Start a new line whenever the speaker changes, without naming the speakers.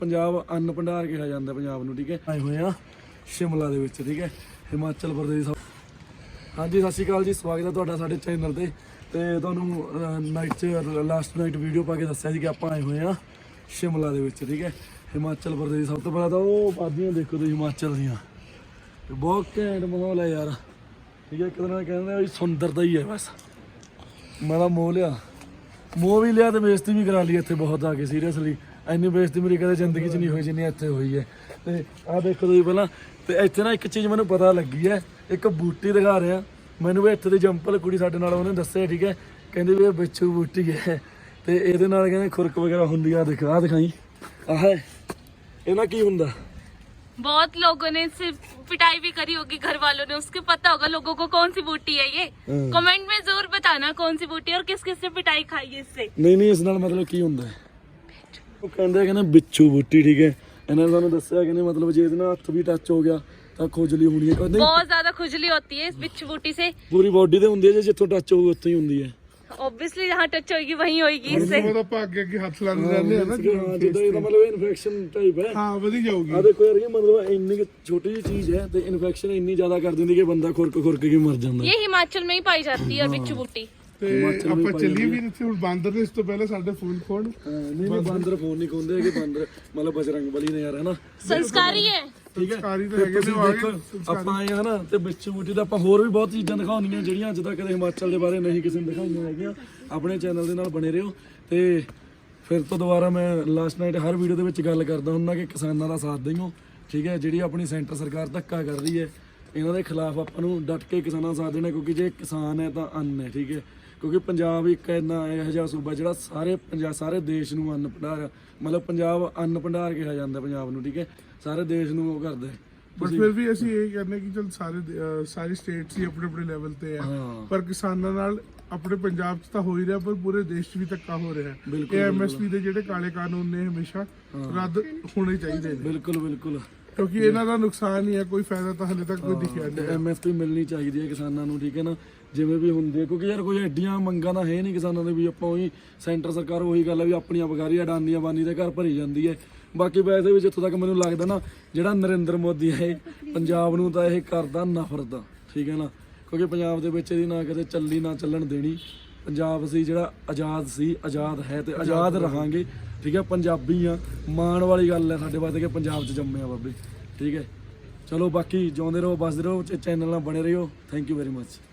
ਪੰਜਾਬ ਅੰਨ ਭੰਡਾਰ ਕਿਹਾ ਜਾਂਦਾ ਪੰਜਾਬ ਨੂੰ, ਠੀਕ ਹੈ। ਆਏ ਹੋਏ ਆ ਸ਼ਿਮਲਾ ਦੇ ਵਿੱਚ, ਠੀਕ ਹੈ, ਹਿਮਾਚਲ ਪ੍ਰਦੇਸ਼। ਹਾਂਜੀ ਸਤਿ ਸ਼੍ਰੀ ਅਕਾਲ ਜੀ, ਸਵਾਗਤ ਹੈ ਤੁਹਾਡਾ ਸਾਡੇ ਚੈਨਲ ਤੇ ਤੁਹਾਨੂੰ ਨਾਈਟ 'ਚ ਲਾਸਟ ਨਾਈਟ ਵੀਡੀਓ ਪਾ ਕੇ ਦੱਸਿਆ ਸੀ ਕਿ ਆਪਾਂ ਆਏ ਹੋਏ ਆ ਸ਼ਿਮਲਾ ਦੇ ਵਿੱਚ, ਠੀਕ ਹੈ, ਹਿਮਾਚਲ ਪ੍ਰਦੇਸ਼। ਸਭ ਤੋਂ ਪਹਿਲਾਂ ਤਾਂ ਉਹ ਵਾਦੀਆਂ ਦੇਖੋ ਤੁਸੀਂ ਹਿਮਾਚਲ ਦੀਆਂ, ਬਹੁਤ ਘੈਂਟ ਮਾਹੌਲ ਹੈ ਯਾਰ, ਠੀਕ ਹੈ। ਇੱਕ ਦਿਨ ਕਹਿੰਦੇ ਵੀ ਸੁੰਦਰਤਾ ਹੀ ਹੈ ਬਸ। ਮੈਂ ਤਾਂ ਮੋਹ ਵੀ ਲਿਆ ਤੇ ਬੇਇੱਜ਼ਤੀ ਵੀ ਕਰਾ ਲਈ ਇੱਥੇ ਬਹੁਤ ਆ ਕੇ, ਸੀਰੀਅਸਲੀ ਇੰਨੀ ਬੇਇੱਜ਼ਤੀ ਮੇਰੀ ਕਦੇ ਜ਼ਿੰਦਗੀ 'ਚ ਨਹੀਂ ਹੋਈ ਜਿੰਨੀ ਇੱਥੇ ਹੋਈ ਹੈ। ਤੇ ਆਹ ਦੇਖੋ ਤੁਸੀਂ ਪਹਿਲਾਂ, ਤੇ ਇੱਥੇ ਨਾ ਇੱਕ ਚੀਜ਼ ਮੈਨੂੰ ਪਤਾ ਲੱਗੀ ਹੈ, ਇੱਕ ਬੂਟੀ ਦਿਖਾ ਰਿਹਾ ਮੈਨੂੰ ਵੀ ਇੱਥੇ ਦੀ ਜੰਪਲ ਕੁੜੀ ਸਾਡੇ ਨਾਲ, ਉਹਨੇ ਦੱਸਿਆ, ਠੀਕ ਹੈ, ਕਹਿੰਦੀ ਵੀ ਇਹ ਬਿੱਛੂ ਬੂਟੀ ਹੈ ਤੇ ਇਹਦੇ ਨਾਲ ਕਹਿੰਦੇ ਖੁਰਕ ਵਗੈਰਾ ਹੁੰਦੀ ਆ। ਦਿਖਾ ਦਿਖਾਈ ਆਹ ਇਹਨਾਂ ਕੀ ਹੁੰਦਾ।
बहुत लोगों ने इससे पिटाई भी करी होगी घर वालों ने, उसके पता होगा लोगों को कौन सी बूटी है ये। कमेंट में जरूर बताना कौन सी बूटी है और किस किस ने पिटाई खाई है इससे।
ਨਹੀਂ ਇਸ ਨਾਲ ਮਤਲਬ ਕੀ ਹੁੰਦਾ ਹੈ, ਉਹ ਕਹਿੰਦੇ ਬਿੱਛੂ ਬੂਟੀ, ਠੀਕ ਹੈ। ਇਹਨਾਂ ਨੇ ਸਾਨੂੰ ਦੱਸਿਆ ਕਿ ਮਤਲਬ ਜੇ ਇਹਦੇ ਨਾਲ ਹੱਥ ਵੀ ਟੱਚ ਹੋ ਗਿਆ ਤਾਂ ਖੁਜਲੀ ਹੋਣੀ ਹੈ। ਕਹਿੰਦੇ
बहुत ज्यादा खुजली होती है इस बिच्छू बूटी से,
ਪੂਰੀ ਬੋਡੀ ਤੇ ਹੁੰਦੀ ਹੈ, ਜੇ ਜਿੱਥੋਂ ਟੱਚ ਹੋਊ ਉੱਥੇ ਹੀ ਹੁੰਦੀ ਹੈ।
ऑब्वियसली जहाँ टच होगी वहीं होगी इससे।
ਆਪਾਂ ਅੱਗੇ ਅੱਗੇ ਹੱਥ ਲਾਉਂਦੇ ਰਹਿੰਦੇ ਆ ਨਾ,
ਜਿੱਦਾਂ ਇਹਦਾ ਮਤਲਬ ਇਨਫੈਕਸ਼ਨ ਟਾਈਪ ਹੈ।
ਹਾਂ ਵਧੀ ਜਾਊਗੀ।
ਆ ਦੇਖੋ ਯਾਰ, ਇਹ ਮਤਲਬ ਇੰਨੀ ਕੁ ਛੋਟੀ ਜਿਹੀ ਚੀਜ਼ ਹੈ ਤੇ ਇਨਫੈਕਸ਼ਨ ਇੰਨੀ ਜ਼ਿਆਦਾ ਕਰ ਦਿੰਦੀ ਕਿ ਬੰਦਾ ਖੁਰਕ ਕੇ ਮਰ ਜਾਂਦਾ।
ये हिमाचल में ही पाई जाती है और बिच्छू बूटी।
ਤੇ ਆਪਾਂ ਚੱਲੀਏ ਵੀ ਇੱਥੇ ਹੁਣ ਬਾਂਦਰ ਨੇ, ਇਸ ਤੋਂ ਪਹਿਲਾਂ ਸਾਡੇ ਫੋਨ ਖੋਣ।
ਨਹੀਂ ਬਾਂਦਰ ਫੋਨ ਨਹੀਂ ਖੋਂਦੇ ਹੈਗੇ, ਬਾਂਦਰ ਮਤਲਬ ਬਜਰੰਗ ਬਲੀ ਨੇ ਯਾਰ, ਹੈ ਨਾ,
संस्कारी है।
ਠੀਕ ਹੈ।
ਸੰਸਕਾਰੀ ਤਾਂ
ਤੇ
ਹੈਗੇ
ਤੁਸੀਂ
ਨੇ, ਆ
ਦੇਖੋ
ਗਏ
ਆਪਾਂ ਆਏ ਹਾਂ ਨਾ, ਤੇ ਬਿੱਛੂ ਬੂਟੀ ਦਾ ਆਪਾਂ ਹੋਰ ਵੀ ਬਹੁਤ ਚੀਜ਼ਾਂ ਦਿਖਾਉਣੀਆਂ ਜਿਹੜੀਆਂ ਅੱਜ ਤੱਕ ਕਦੇ ਹਿਮਾਚਲ ਦੇ ਬਾਰੇ ਨਹੀਂ ਕਿਸੇ ਨੇ ਦਿਖਾਈਆਂ ਹੈਗੀਆਂ। ਆਪਣੇ ਚੈਨਲ ਦੇ ਨਾਲ ਬਣੇ ਰਹੋ। ਤੇ ਫਿਰ ਤੋਂ ਦੁਬਾਰਾ ਮੈਂ ਲਾਸਟ ਨਾਈਟ ਹਰ ਵੀਡੀਓ ਦੇ ਵਿੱਚ ਗੱਲ ਕਰਦਾ ਹੁੰਦਾ ਕਿ ਕਿਸਾਨਾਂ ਦਾ ਸਾਥ ਦਿਓ, ਠੀਕ ਹੈ। ਜਿਹੜੀ ਆਪਣੀ ਸੈਂਟਰ ਸਰਕਾਰ ਧੱਕਾ ਕਰ ਰਹੀ ਹੈ, ਇਹਨਾਂ ਦੇ ਖਿਲਾਫ ਆਪਾਂ ਨੂੰ ਡਟ ਕੇ ਕਿਸਾਨਾਂ ਦਾ ਸਾਥ ਦੇਣਾ, ਕਿਉਂਕਿ ਜੇ ਕਿਸਾਨ ਹੈ ਤਾਂ ਅੰਨ ਹੈ, ਠੀਕ ਹੈ। ਕਿਉਂਕਿ ਪੰਜਾਬ ਇੱਕ ਇੰਨਾ ਇਹੋ ਜਿਹਾ ਸੂਬਾ ਜਿਹੜਾ ਸਾਰੇ ਦੇਸ਼ ਨੂੰ ਅੰਨ ਭੰਡਾਰ, ਮਤਲਬ ਪੰਜਾਬ ਅੰਨ ਭੰਡਾਰ ਕਿਹਾ ਜਾਂਦਾ ਪੰਜਾਬ ਨੂੰ, ਠੀਕ ਹੈ। ਸਾਰੇ ਦੇਸ਼ ਨੂੰ ਉਹ ਕਰਦਾ ਹੈ।
ਬਟ ਫਿਰ ਵੀ ਅਸੀਂ ਇਹ ਕਹਿੰਦੇ ਕਿ ਚਲ ਸਾਰੀ ਸਟੇਟਸ ਹੀ ਆਪਣੇ ਆਪਣੇ ਲੈਵਲ ਤੇ ਆ, ਪਰ ਕਿਸਾਨਾਂ ਨਾਲ ਆਪਣੇ ਪੰਜਾਬ 'ਚ ਤਾਂ ਹੋ ਹੀ ਰਿਹਾ, ਪਰ ਪੂਰੇ ਦੇਸ਼ 'ਚ ਵੀ ਧੱਕਾ ਹੋ ਰਿਹਾ। ਇਹ ਐਮਐਸਪੀ ਦੇ ਜਿਹੜੇ ਕਾਲੇ ਕਾਨੂੰਨ ਨੇ ਹਮੇਸ਼ਾ ਰੱਦ ਹੋਣੇ ਚਾਹੀਦੇ ਨੇ।
ਬਿਲਕੁਲ
ਕਿਉਂਕਿ ਇਹਨਾਂ ਦਾ ਨੁਕਸਾਨ ਹੀ ਹੈ, ਕੋਈ ਫਾਇਦਾ ਤਾਂ ਹਲੇ ਤੱਕ ਕੋਈ ਦਿਖਿਆ ਨਹੀਂ।
ਐਮਐਸਪੀ ਮਿਲਣੀ ਚਾਹੀਦੀ ਹੈ ਕਿਸਾਨਾਂ ਨੂੰ, ਠੀਕ ਹੈ ਨਾ, ਜਿਵੇਂ ਵੀ ਹੁੰਦੀ ਹੈ। ਕਿਉਂਕਿ ਯਾਰ ਕੋਈ ਐਡੀਆਂ ਮੰਗਾਂ ਤਾਂ ਹੈ ਨਹੀਂ ਕਿਸਾਨਾਂ ਦੇ ਵੀ ਆਪਾਂ ਉਹੀ ਸੈਂਟਰ ਸਰਕਾਰ ਉਹੀ ਗੱਲ ਹੈ ਵੀ ਆਪਣੀਆਂ ਬਗਾਰੀ ਅਡਾਨੀ ਬਾਨੀ ਦੇ ਘਰ ਭਰੀ ਜਾਂਦੀ ਹੈ। ਬਾਕੀ ਵੈਸੇ ਵੀ ਜਿੱਥੋਂ ਤੱਕ ਮੈਨੂੰ ਲੱਗਦਾ ਨਾ, ਜਿਹੜਾ ਨਰਿੰਦਰ ਮੋਦੀ ਹੈ ਪੰਜਾਬ ਨੂੰ ਤਾਂ ਇਹ ਕਰਦਾ ਨਫ਼ਰਤ, ਠੀਕ ਹੈ ਨਾ। ਕਿਉਂਕਿ ਪੰਜਾਬ ਦੇ ਵਿੱਚ ਇਹਦੀ ਨਾ ਕਦੇ ਚੱਲੀ ਨਾ ਚੱਲਣ ਦੇਣੀ। ਪੰਜਾਬ ਸੀ ਜਿਹੜਾ ਆਜ਼ਾਦ ਸੀ, ਆਜ਼ਾਦ ਹੈ ਤੇ ਆਜ਼ਾਦ ਰਹਾਂਗੇ, ਠੀਕ ਹੈ। ਪੰਜਾਬੀ ਆ, ਮਾਣ ਵਾਲੀ ਗੱਲ ਹੈ ਸਾਡੇ ਵਾਸਤੇ ਕਿ ਪੰਜਾਬ 'ਚ ਜੰਮੇ ਆ ਬਾਬੇ, ਠੀਕ ਹੈ। ਚਲੋ ਬਾਕੀ ਜਿਉਂਦੇ ਰਹੋ, ਬਸਦੇ ਰਹੋ, ਚੈਨਲ ਨਾਲ ਬਣੇ ਰਹੋ। Thank you very much.